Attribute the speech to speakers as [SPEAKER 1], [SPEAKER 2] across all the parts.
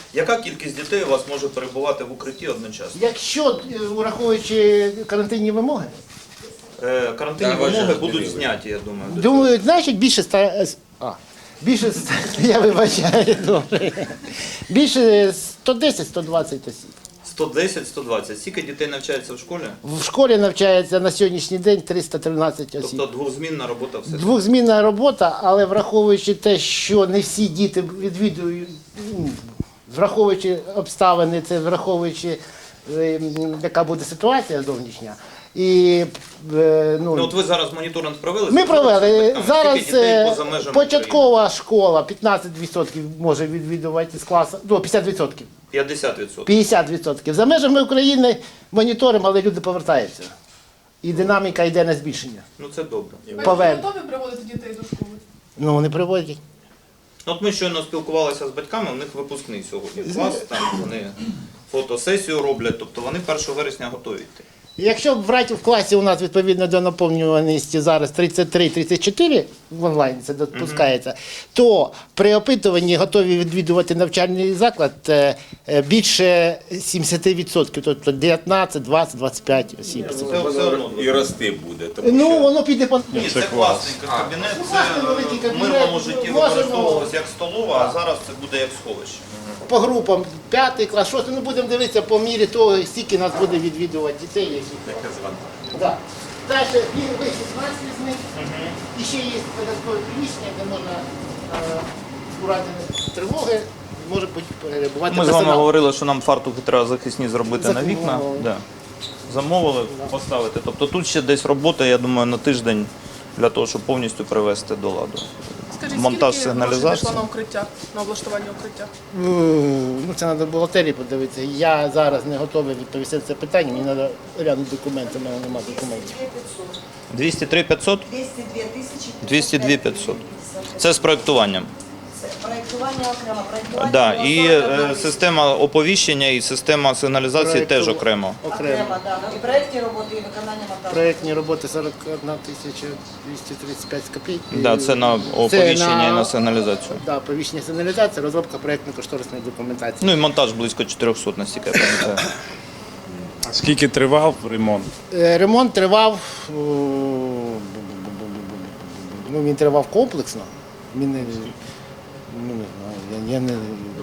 [SPEAKER 1] Яка кількість дітей у вас може перебувати в укритті одночасно?
[SPEAKER 2] Якщо, враховуючи карантинні вимоги,
[SPEAKER 1] Карантинні вимоги будуть зняті, я думаю.
[SPEAKER 2] думаю, значить більше я вибачаю, добре. Більше 110-120 осіб.
[SPEAKER 1] 110-120. Скільки дітей навчається в школі?
[SPEAKER 2] В школі навчається на сьогоднішній день 313 осіб.
[SPEAKER 1] Тобто двохзмінна робота все.
[SPEAKER 2] Двохзмінна робота, але враховуючи те, що не всі діти відвідують, враховуючи обставини, це враховуючи, яка буде ситуація зовнішня. І,
[SPEAKER 1] Ну от ви зараз моніторинг провели?
[SPEAKER 2] ми провели. Зараз
[SPEAKER 1] Скільки дітей поза межами
[SPEAKER 2] початкова школа 15% може відвідувати з класу, ну 50%.
[SPEAKER 1] 50%.
[SPEAKER 2] 50%. За межами України моніторимо, але люди повертаються. І динаміка йде на збільшення.
[SPEAKER 1] Ну це добре.
[SPEAKER 2] Повер-
[SPEAKER 3] Ви готові приводити дітей до школи?
[SPEAKER 2] Ну, вони приводять.
[SPEAKER 1] От ми щойно спілкувалися з батьками, у них випускний сьогодні клас, там вони фотосесію роблять, тобто вони 1 вересня готові йти.
[SPEAKER 2] Якщо брати в класі у нас відповідно до наповнюваності зараз 33-34 в онлайн це допускається, то при опитуванні готові відвідувати навчальний заклад більше 70%, тобто 19, 20, 25 осіб.
[SPEAKER 1] Це все одно.
[SPEAKER 4] І рости буде. Тому
[SPEAKER 2] Ну,
[SPEAKER 4] що
[SPEAKER 2] воно піде по...
[SPEAKER 1] Ні, це класний кабінет,
[SPEAKER 2] великий
[SPEAKER 1] це в
[SPEAKER 2] кабінет.
[SPEAKER 1] мирному житті
[SPEAKER 2] Можемо-
[SPEAKER 1] використовувалося як столова, а зараз це буде як сховище.
[SPEAKER 2] по групам 5 клас, 6, ну будемо дивитися по мірі того, скільки нас буде відвідувати дітей. Які... Да. Далі вихід з них, і ще є додаткове приміщення, де можна у разі тривоги, може бути перебувати
[SPEAKER 1] Ми з вами
[SPEAKER 2] персонал.
[SPEAKER 1] говорили, що нам фартухи треба захисні зробити на вікна.
[SPEAKER 2] Замовили.
[SPEAKER 1] Да. Замовили, поставити. Тобто тут ще десь робота, я думаю, на тиждень для того, щоб повністю привести до ладу.
[SPEAKER 3] Скажіть,
[SPEAKER 1] Монтаж
[SPEAKER 3] скільки
[SPEAKER 1] сигналізації.
[SPEAKER 3] грошей пішло на укриття, на облаштування укриття?
[SPEAKER 2] Ну, це треба бухгалтерії подивитися. Я зараз не готовий відповісти на це питання, мені треба глянути документи, в мене немає документів.
[SPEAKER 1] 203 500?
[SPEAKER 5] 202 тисячі
[SPEAKER 1] 202 500. Це з проєктуванням.
[SPEAKER 5] проєктування окремо. Проєктування
[SPEAKER 1] Да.
[SPEAKER 5] було
[SPEAKER 1] І
[SPEAKER 5] 42
[SPEAKER 1] система оповіщення і система сигналізації теж окремо.
[SPEAKER 5] окремо, да. І проєктні роботи, і виконання монтажу.
[SPEAKER 2] Проєктні роботи 41 235 копійок.
[SPEAKER 1] Да, це на оповіщення і на сигналізацію.
[SPEAKER 2] Да, оповіщення сигналізації, розробка проєктно-кошторисної документації.
[SPEAKER 1] Ну і монтаж близько 400, настільки я пам'ятаю.
[SPEAKER 6] А скільки тривав ремонт?
[SPEAKER 2] Ремонт тривав, ну він тривав комплексно. Він не, ну, не знаю, я не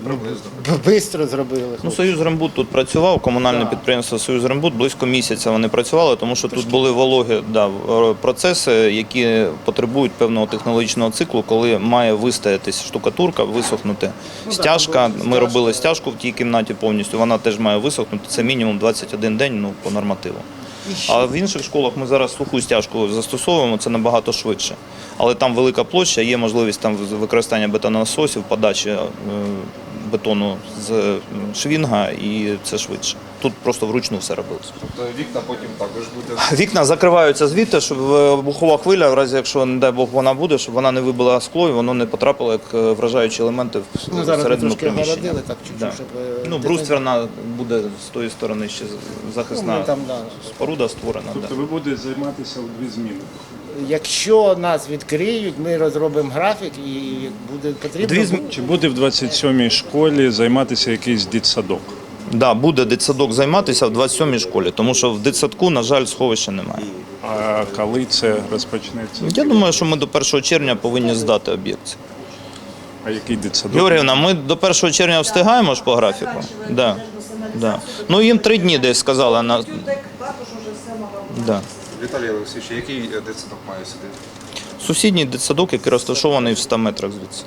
[SPEAKER 2] швидко зробили.
[SPEAKER 1] Ну, «Союзрембуд» тут працював, комунальне підприємство «Союзрембуд», близько місяця вони працювали, тому що тут були вологі процеси, які потребують певного технологічного циклу, коли має вистоятись штукатурка, висохнути стяжка. Ми робили стяжку в тій кімнаті повністю, вона теж має висохнути, це мінімум 21 день, ну, по нормативу. А в інших школах ми зараз суху стяжку застосовуємо, це набагато швидше. Але там велика площа, є можливість там використання бетононасосів, подачі бетону з швінга, і це швидше. Тут просто вручну все робилось.
[SPEAKER 4] тобто вікна потім також буде.
[SPEAKER 1] Вікна закриваються звідти, щоб вибухова хвиля, в разі якщо, не дай Бог, вона буде, щоб вона не вибила скло і воно не потрапило як вражаючі елементи
[SPEAKER 2] Ну, зараз ми
[SPEAKER 1] всередину
[SPEAKER 2] трошки
[SPEAKER 1] приміщення.
[SPEAKER 2] огородили, так чуть-чуть,
[SPEAKER 1] Да.
[SPEAKER 2] щоб...
[SPEAKER 1] Ну, брустверна буде з тої сторони ще захисна
[SPEAKER 2] Ну, там, да.
[SPEAKER 1] споруда створена.
[SPEAKER 6] Тобто
[SPEAKER 1] Да.
[SPEAKER 6] ви будете займатися у 2 зміни?
[SPEAKER 2] Якщо нас відкриють, ми розробимо графік і буде потрібно.
[SPEAKER 6] Чи буде в 27-й школі займатися якийсь дитсадок?
[SPEAKER 1] Да, буде дитсадок займатися в 27-й школі, тому що в дитсадку, на жаль, сховища немає.
[SPEAKER 6] А коли це розпочнеться?
[SPEAKER 1] Я думаю, що ми до 1 червня повинні здати об'єкт.
[SPEAKER 6] А який дитсадок?
[SPEAKER 1] Георгіївна, ми до 1 червня встигаємо ж по графіку? Да. Да. Ну їм 3 дні десь сказали.
[SPEAKER 5] Тюдек також уже все мало.
[SPEAKER 1] Да.
[SPEAKER 4] Віталій Олексійович, який дитсадок має сюди?
[SPEAKER 1] Сусідній дитсадок, який розташований в 100 метрах звідси.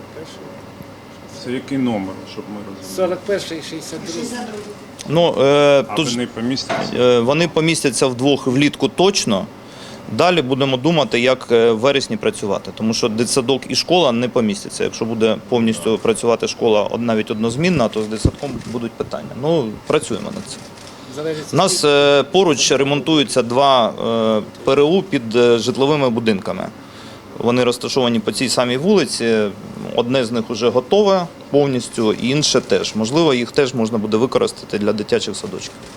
[SPEAKER 6] Це який номер, щоб ми розуміли?
[SPEAKER 2] 41 і 62.
[SPEAKER 1] Ну,
[SPEAKER 6] А
[SPEAKER 1] тут
[SPEAKER 6] вони помістяться?
[SPEAKER 1] вони помістяться вдвох влітку точно. Далі будемо думати, як в вересні працювати, тому що дитсадок і школа не помістяться. Якщо буде повністю працювати школа навіть однозмінна, то з дитсадком будуть питання. Ну, працюємо над цим. У нас поруч ремонтуються 2 ПРУ під житловими будинками. Вони розташовані по цій самій вулиці. Одне з них вже готове повністю, і інше теж. Можливо, їх теж можна буде використати для дитячих садочків.